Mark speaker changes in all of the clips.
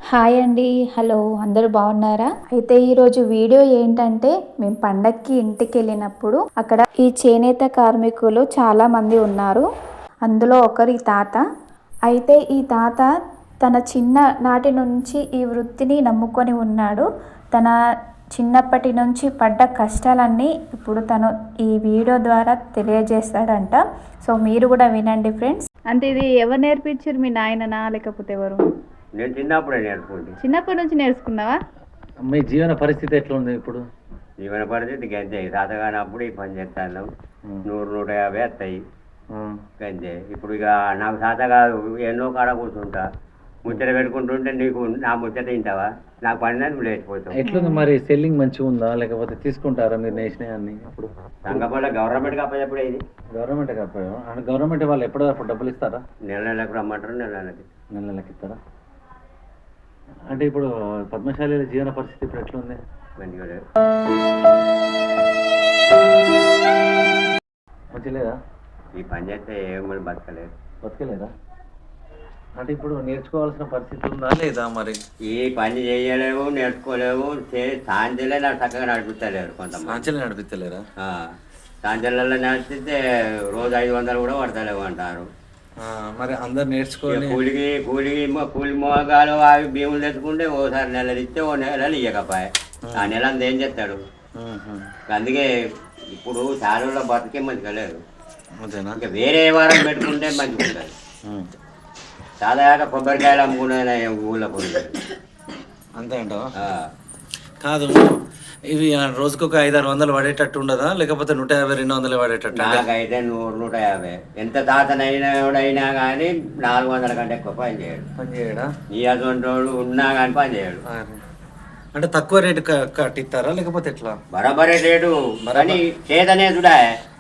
Speaker 1: Hi అండి. Hello, అందరూ బాగున్నారా? అయితే ఈరోజు వీడియో ఏంటంటే, మేము పండక్కి ఇంటికి వెళ్ళినప్పుడు అక్కడ ఈ చేనేత కార్మికులు చాలా మంది ఉన్నారు. అందులో ఒకరు ఈ తాత. అయితే ఈ తాత తన చిన్న నాటి నుంచి ఈ వృత్తిని నమ్ముకొని ఉన్నాడు. తన చిన్నప్పటి నుంచి పడ్డ కష్టాలన్నీ ఇప్పుడు తను ఈ వీడియో ద్వారా తెలియజేస్తాడంట. సో మీరు కూడా వినండి ఫ్రెండ్స్. అంటే ఇది ఎవరు నేర్పించారు? మీ నాయననా లేకపోతే ఎవరు?
Speaker 2: నేను చిన్నప్పుడే నేర్చుకుంది.
Speaker 1: చిన్నప్పటి నుంచి నేర్చుకున్నావా?
Speaker 3: మీ జీవన పరిస్థితి ఎట్లా ఉంది ఇప్పుడు?
Speaker 2: జీవన పరిస్థితి గంతే. తాతగానప్పుడు ఈ పని చేస్తాను 100-150 వస్తాయి గంతే. ఇప్పుడు ఇక నాకు తాత కాదు, ఎన్నో కాడ కూర్చుంటా ముచ్చట పెట్టుకుంటుంటే నీకు నా ముచ్చట తింటావా, నాకు పని నువ్వు లేచిపోతావు.
Speaker 3: ఎట్లుంది మరి? సెల్లింగ్ మంచిగా ఉందా లేకపోతే తీసుకుంటారా మీరు నేసినవన్నీ? ఇప్పుడు
Speaker 2: సంగపల్ల గవర్నమెంట్కి అప్పచెప్పుడు ఇది
Speaker 3: గవర్నమెంట్ కాకపోయా? అంటే గవర్నమెంట్ వాళ్ళు ఎప్పటికప్పుడు డబ్బులు ఇస్తారా?
Speaker 2: నెల నెలకు రమ్మంటారు, నెల నెలకి.
Speaker 3: నెల నెలకి ఇస్తారా? అంటే ఇప్పుడు పద్మశాలి జీవన పరిస్థితి ఇప్పుడు ఎట్లుంది?
Speaker 2: మంచిగా లేదు.
Speaker 3: మంచి లేదా?
Speaker 2: ఈ పని చేస్తే ఏమని బతకలేదు.
Speaker 3: బతకలేదా? అంటే ఇప్పుడు నేర్చుకోవాల్సిన పరిస్థితి ఉందా లేదా మరి?
Speaker 2: ఈ పని చేయలేవు, నేర్చుకోలేవు. సాంజలే నాకు చక్కగా నడిపిస్తలేరు కొంతమంది.
Speaker 3: సాంచలే నడిపిస్తలేరా?
Speaker 2: సాంజలలో నడిపిస్తే రోజు 500 కూడా పడతలేవు అంటారు.
Speaker 3: మరి అందరు నేర్చుకోవాలి.
Speaker 2: కూలి మోగాలు అవి భీములు తెచ్చుకుంటే ఓసారి నెలలు ఇస్తే ఓ నెలలు ఇవ్వకపోయా, ఆ నెల అంతా ఏం చేస్తాడు. అందుకే ఇప్పుడు చాలులో బతికే మంచిగా లేదు. ఇంకా వేరే వారం పెట్టుకుంటే మంచిగా ఉంటుంది. సాదాగా కొబ్బరికాయలు అమ్ముకునే ఊళ్ళో పోయి
Speaker 3: అంతే అంటావా? కాదు, ఇవి రోజుకు ఒక 500-600 పడేటట్టు ఉండదా లేకపోతే 150-200 పడేటట్టు?
Speaker 2: నాకైతే 100-150 ఎంత తాతనైనా కానీ 400 కంటే ఎక్కువ పని చేయడా? నీ అటువంటి వాడు ఉన్నా కానీ పని చేయడు.
Speaker 3: అంటే తక్కువ రేటు కట్టిస్తారా లేకపోతే ఎట్లా?
Speaker 2: బరాబరే రేటు కానీ చేతనే చూడా.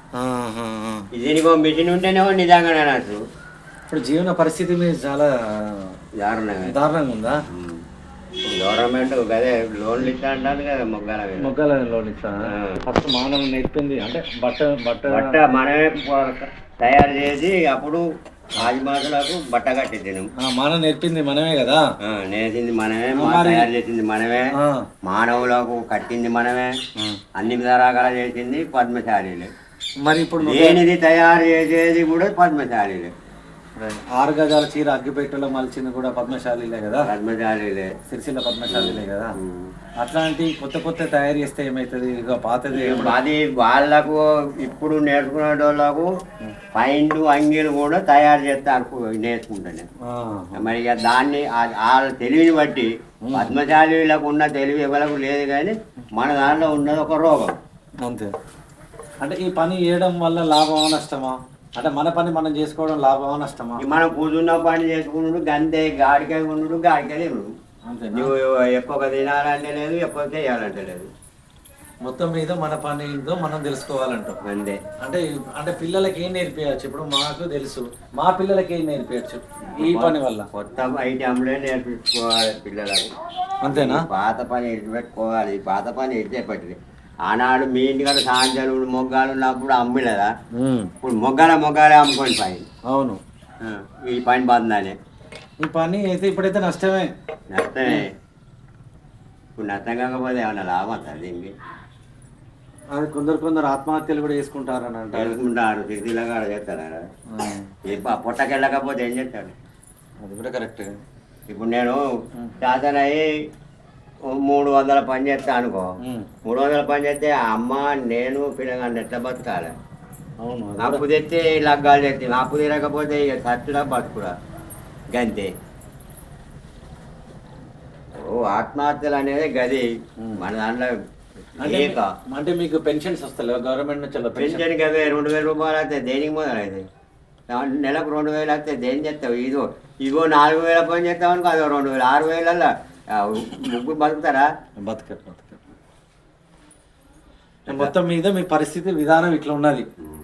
Speaker 2: దీనికి మిషన్ ఉంటేనేమో నిజంగానే నాకు.
Speaker 3: ఇప్పుడు జీవన పరిస్థితి మీద చాలా దారుణంగా ఉందా?
Speaker 2: గవర్నమెంట్ అదే లోన్లు ఇస్తా అంటారు కదా,
Speaker 3: మొగ్గాల లోన్ ఇస్తా. ఫస్ట్ మానవ నేర్పింది అంటే బట్ట
Speaker 2: మనమే తయారు చేసి అప్పుడు ఆదిమాసులకు బట్ట కట్టింది.
Speaker 3: మానవ నేర్పింది మనమే కదా,
Speaker 2: నేర్చింది మనమే, తయారు చేసింది మనమే, మానవులకు కట్టింది మనమే, అన్ని రకాల చేసింది పద్మశాలీలే.
Speaker 3: మరి ఇప్పుడు
Speaker 2: దేనిది తయారు చేసేది కూడా పద్మశాలీలే.
Speaker 3: 6 గజాల చీర అగ్గిపెట్టెలో మలిచింది కూడా పద్మశాలీలే కదా,
Speaker 2: పద్మశాలీలే,
Speaker 3: సిరిసిల్ల పద్మశాలీలే కదా. అట్లాంటి కొత్త తయారు చేస్తే ఏమవుతుంది? ఇక పాతది
Speaker 2: అది వాళ్ళకు ఇప్పుడు నేర్చుకునే వాళ్ళకు పైండు అంగీలు కూడా తయారు చేస్తారు నేర్చుకుంటానే. మరి ఇక దాన్ని వాళ్ళ తెలివిని బట్టి పద్మశాలీలకు ఉన్న తెలివి ఎవరికి లేదు, కానీ మన దాంట్లో ఉన్నది ఒక రోగం
Speaker 3: అంతే. అంటే ఈ పని చేయడం వల్ల లాభమా నష్టమా? అంటే మన పని మనం చేసుకోవడం లాభమా నష్టమా?
Speaker 2: మనం కూర్చున్న పని చేసుకున్నాడు గంతే, గాడికాయ ఉన్నాడు గాడికాయ లేవు. నువ్వు ఎక్కువ తినాలంటే లేదు, ఎక్కువ చేయాలంటే లేదు.
Speaker 3: మొత్తం మీద మన పని ఏందో మనం తెలుసుకోవాలంటాం
Speaker 2: అంతే.
Speaker 3: అంటే పిల్లలకి ఏం నేర్పించచ్చు? ఇప్పుడు మాకు తెలుసు, మా పిల్లలకి ఏం నేర్పించచ్చు ఈ పని వల్ల?
Speaker 2: కొత్త ఐటమ్లే నేర్పించుకోవాలి పిల్లలకు.
Speaker 3: అంతేనా?
Speaker 2: పాత పని ఎడిచిపెట్టుకోవాలి. పాత పని ఎడిచేపట్టి ఆనాడు మీ ఇంటికాడ సాంజలు మొగ్గాలు ఉన్నప్పుడు అమ్మిలేదా? ఇప్పుడు మొగ్గాలే అమ్ముకొని పని.
Speaker 3: అవును,
Speaker 2: ఈ పని బాగుందని.
Speaker 3: ఈ పని అయితే ఇప్పుడైతే నష్టమే.
Speaker 2: ఇప్పుడు నష్టం కాకపోతే ఏమన్నా లాభం వస్తుంది దీనికి?
Speaker 3: అది కొందరు ఆత్మహత్యలు కూడా చేసుకుంటారని
Speaker 2: చేసుకుంటారు. సిటీలో కూడా చేస్తారా? పొట్టకెళ్ళకపోతే ఏం చేస్తాడు?
Speaker 3: అది కూడా కరెక్ట్.
Speaker 2: ఇప్పుడు నేను శాతనయ్యి 300 పని చేస్తా అనుకో, 300 పని చేస్తే అమ్మ నేను పిల్లగాన్ని ఎట్లా బతకాలి?
Speaker 3: అవును,
Speaker 2: అప్పు తెస్తే లగ్గాలు తెస్తే అప్పు తీరకపోతే ఇక చచ్చుడా బతుకుడా గంతే. ఆత్మహత్యలు అనేది గది మన దాంట్లో.
Speaker 3: అంటే మీకు పెన్షన్స్ వస్తలేవు గవర్నమెంట్ నుంచి?
Speaker 2: పెన్షన్కి అవే 2000 రూపాయలు వస్తాయి. దేనికి మొదలైతే నెలకు 2000 వస్తాయి. దేని చేస్తావు? ఇగో 4000 పని చేస్తావు అనుకో, అదో 2000. 6000 ముగ్గురు బతుకుతారా?
Speaker 3: బతకరు. మొత్తం మీద మీ పరిస్థితి విధానం ఇట్లా ఉన్నది.